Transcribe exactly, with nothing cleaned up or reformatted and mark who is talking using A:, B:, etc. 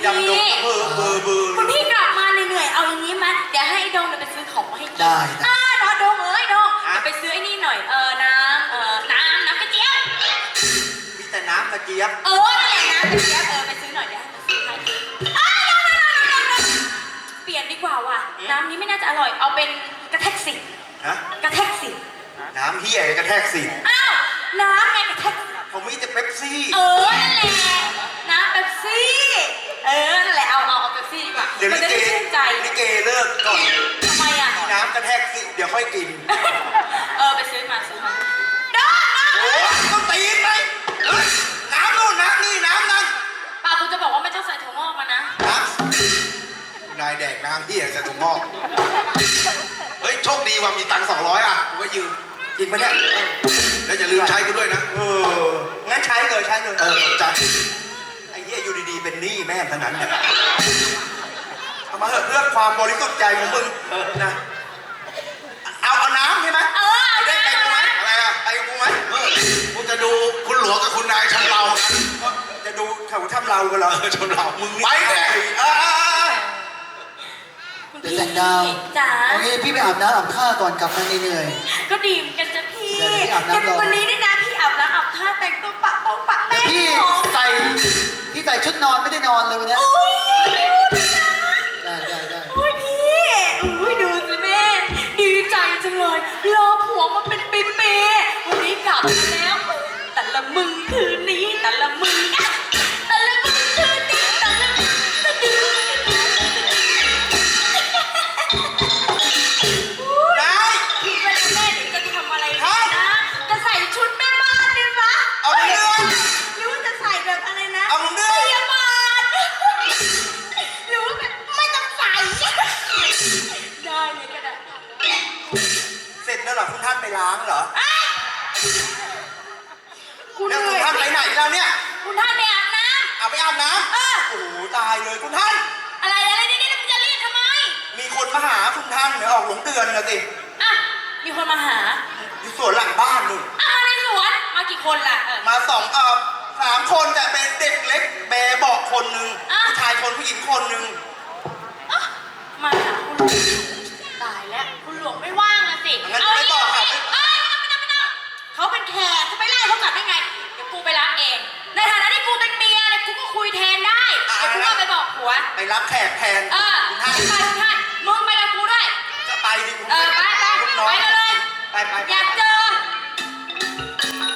A: ดำดงเบอร์เบอร์เบอร์
B: คุณพี่กลับมาเหนื่อยๆเอาอย่างนี้มั้ยเดี๋ยวให้ไอ้ดงไปซื้อของมาให้กิน
C: ได้
B: อ่าดองดงเอ้ยดงเดี๋ยวไปซื้อไอ้นี่หน่อยเออน้ำเออน้ำน้ำกระเจี๊ยบ
A: มีแต่น้ำกระเจี๊ยบ
B: เออนั่นแหละน้ำกระเจี๊ยบเออไปซื้อหน่อยเดี๋ยวให้ไปซื้อให้อ้าวดงดงดงดงเปลี่ยนดีกว่าว่ะน้ำนี้ไม่น่าจะอร่อยเอาเป็นกระแทกสิ
A: ฮะ
B: กระแทกสิ
A: น้ำเฮียกระแทกสิ
B: อ้าวน้ำไงกระแทก
A: ผมมีแต่เป๊ปซี่
B: เออนั่นแหละน้ำเป๊ปซี่เออนั่นแหละเอาเอาเอาเป๊ปซี่ดีกว่า
A: เดี๋ยว
B: มัน
A: ลิ
B: จะ
A: เก
B: ได้ชื่นใจ
A: ลิเกเลิกก่อน
B: ทำไมอ่ะ
A: น้ำกระแทกสิเดี๋ยวค่อยกิน
B: เออไปซื้อมาซื้อมาดอ
A: โอ้ยต้องตีนไหมเฮ้ยน้ำนู่นน้ำนี่น้ำนั่น
B: ป้าคุณจะบอกว่าไม่ต้องใส่ถั่วงอกมานะ
A: น้ำนายแดกน้ำเฮียจะถุงงอกเฮ้ยโชคดีว่ามีตังค์สองร้อยอ่ะกูก็ยืมจริงปะเนี่ยแล้วอย่าลืมใช้กูด้วยนะเอองั้นใช้เลยใช้เลยเออจัดไอ้เหี้ยอยู่ดีๆเป็นหนี้แม่ทั้งนั้นเนี่ยเอามาเถอะเพื่อความบริสุทธิ์ใจของมึงนะเอาเอาน้ำใช่ไหม
B: เออ
A: ไปได้ไปกูไหมอะไรอ่ะไปกูไหมเออกูจะดูคุณหลวงกับคุณนายชำเราจะดูเขาทำเรากันเหรอชำเรามึงไปเลยเออ
B: คุณ
C: เดี๋ยว
B: พี่
C: แสงดาว
B: จ๋า
C: โอเคพี่ไปอาบน้ำอาบท่าก่อนกลับมาเหนื่อย
B: ก็ดีเหมือนกันจ้ะพี่
C: เดี๋ยวพี่อาบน้ำรอ
B: วันนี้นี่นะพี่อาบน้ำอาบท่าแต่งตัวปะปองปะ
C: ๆ
B: แป้
C: แต่
B: ง
C: พี่
B: หอม
C: ใส่พี่ใส่ชุดนอนไม่ได้นอนเลยวันเนี้ย
B: โอ้ยดูนะ
C: ได้ได้ได้
B: โอ้ยพี่อุ้ยดูสิแม่ดีใจจังเลยรอผัวมาเป็นปีๆวันนี้กลับมาแล้วแต่ละมึงคืนนี้แต่ละมึงอะแต่ละมึงคืนนี้แต่ละมึงตะดึง
A: นาย
B: พี่เป็นแม่เดี๋ยวจะทำอะไร
A: ครั
B: นะ
A: บ
B: จะใส่ชุดแม่บ้านได้ไหม
A: เอาเรื่อง
B: หรือว่าจะใส่แบบอะไรนะ
A: เอาเรื่อง
B: พยาบาลหรือว่าแบบไม่ต้องใส่ได้เลยก็ได้
A: เสร็จแล้วเหรอคุณท่านไปล้างเหรอ
B: คุณ
A: แล้ว
B: เห
A: คุ
B: นื่
A: ณ
B: อย
A: ท่านไปไหนแล้วเนี่ย
B: คุณท่านไปอาบน้
A: เอาไปอาบน้
B: ำเออ
A: ำโอ้โหตายเลยคุณท่าน
B: อะไรอะไรนี่นี่มึงจะเรียกทำไม
A: มีคนมาหาคุณท่านเดี๋ยวออกหลงเดือนนะสิ
B: อ่ะมีคนมาหา
A: อยู่สวนหลังบ้านนู่น
B: อ่ะมาในสวนมากี่คนล่ะเออ
A: มาสองเออสามคนแต่เป็นเด็กเล็กแบเบอกคนหนึ่ง
B: อ่ะ
A: ผู้ชายคนผู้หญิงคนหนึ่ง
B: อ่ะมาหาคุณหลวงตายแล้วคุณหลวงไม่ว่างละสิ
A: งั้นไม่บอกค่ะ
B: เอ้ยไม่ต้องไม่ต้องเขาเป็นแขกจะไปไล่เขากลับได้ไงเดี๋ยวกูไปรับเองในฐานะที่กูเป็นเมียเนี่ยกูก็คุยแทนได้เดี๋ยวกูก็ไปบอกผัว
A: ไปรับแขกแทน
B: เออ
A: คุณ
B: ไป
A: ท่าน
B: ไปคุณท่านมึงไปกับกูด้วย
A: จะไปดิคุณ
B: เออไปไป
A: ลูกน้อง
B: ไปเลย
A: ไปไปไป
B: อยากเจอ